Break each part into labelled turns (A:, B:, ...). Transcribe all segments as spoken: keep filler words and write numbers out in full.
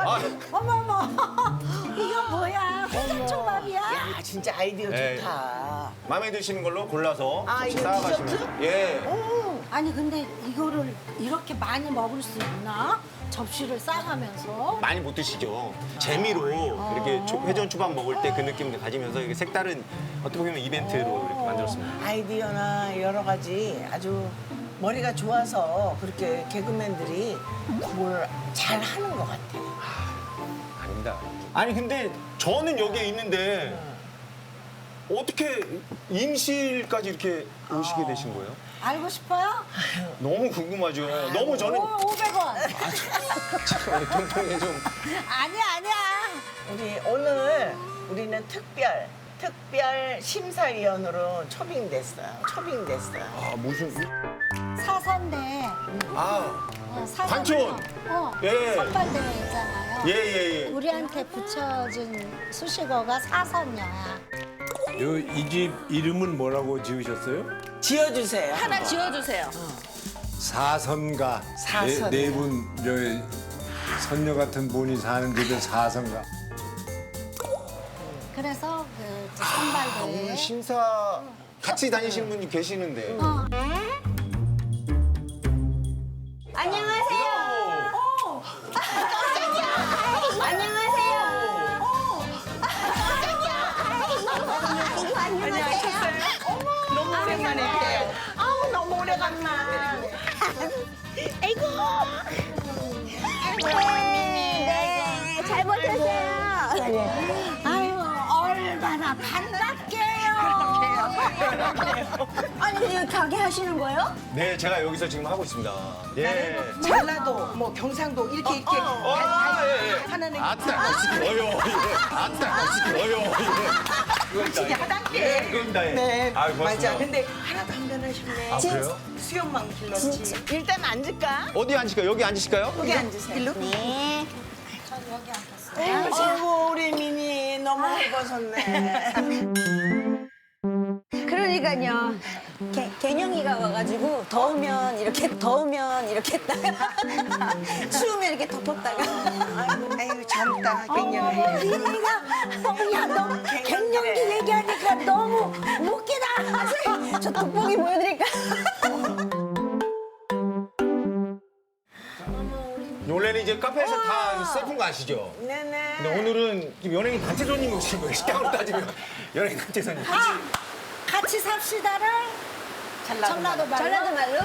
A: 아,
B: 어머머, 이거 뭐야? 회전초밥이야?
C: 야, 진짜 아이디어
A: 네.
C: 좋다.
A: 마음에 드시는 걸로 골라서
C: 아,
A: 혹시
C: 이거
A: 쌓아가시면.
C: 디저트?
A: 예.
C: 오,
B: 아니 근데 이거를 이렇게 많이 먹을 수 있나? 접시를 싸가면서?
A: 많이 못 드시죠. 재미로 이렇게 초- 회전 초밥 먹을 때 그 느낌을 가지면서 이게 색다른 어떻게 보면 이벤트로 이렇게 만들었습니다.
C: 아이디어나 여러 가지 아주 머리가 좋아서 그렇게 개그맨들이 뭘 잘 하는 것 같아.
A: 아닙니다. 아니 근데 저는 여기에 있는데 어떻게 임실까지 이렇게 오시게 되신 거예요?
B: 알고 싶어요?
A: 너무 궁금하죠. 너무 저는
B: 오, 오백 원.
A: 우리 통통이 좀
B: 아니야, 아니야.
C: 우리 오늘 우리는 특별 특별 심사위원으로 초빙됐어요. 초빙됐어요.
A: 아 무슨
B: 사선대.
A: 아
B: 어, 사선대.
A: 반촌!
B: 어,
A: 예.
B: 선발대회 있잖아요.
A: 예예예.
B: 우리한테 붙여준 수식어가 사선녀야.
D: 이 집 이름은 뭐라고 지으셨어요?
C: 지어주세요.
E: 하나 지어주세요.
D: 사선가.
C: 사선.
D: 네 분 선녀 같은 분이 사는 집에 사선가.
B: 그래서 그 이제
A: 아,
B: 선발대회.
A: 오늘 심사 같이 다니시는 분이 계시는데.
B: 어.
E: 안녕하세요. 안녕하세요.
C: 너무 오랜만에 봬요. 아우 너무 오래간만.
E: 아이고. 네, 잘 버텼어요.
B: 아유, 얼마나 반갑게요.
E: 아니, 여기 가게 하시는 거예요?
A: 네, 제가 여기서 지금 하고 있습니다. 예.
C: 전라도 뭐 경상도 이렇게 이렇게
A: 아, 예, 예.
C: 하는 애.
A: 아따, 시켜요. 예. 아따, 시켜요. 예.
C: 확실히 하단계.
A: 예, 그겁니다. 예.
C: 네,
A: 아유, 고맙습니다.
C: 맞아. 근데 하나도 안 변하셨네.
A: 아, 그래요?
C: 수염만 길렀지. 일단 앉을까?
A: 어디 앉을까요? 여기 앉으실까요?
C: 여기 앉으세요. 일로?
E: 네.
B: 전 여기 앉았어요.
C: 아이고 우리 미니 너무 예뻐졌네.
E: 그러니까요. 개, 개냥이가 와가지고 더우면 이렇게 더우면 이렇게 했다가 추우면 이렇게 덮었다가
C: 아이고, 아이고 젊다 갱년이.
B: 미니가, 어, 야, 너 갱년기 얘기하니까 너무 웃기다.
E: 저 돋보기 보여드릴까?
A: 원래는 이제 카페에서 다 세픈 거 아시죠?
C: 네네.
A: 근데 오늘은 지금 연예인 단체 손님이 오신 거예요. 식당으로 따지면 연예인 단체 손님.
B: 아, 같이 삽시다를 전라도 말로.
E: 전라도 말로?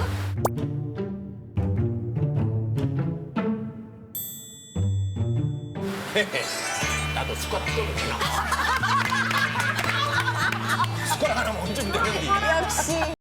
A: 나도 숟가락 좀 주나. 숟가락 하나만 얹으면 되는데.
E: 역시.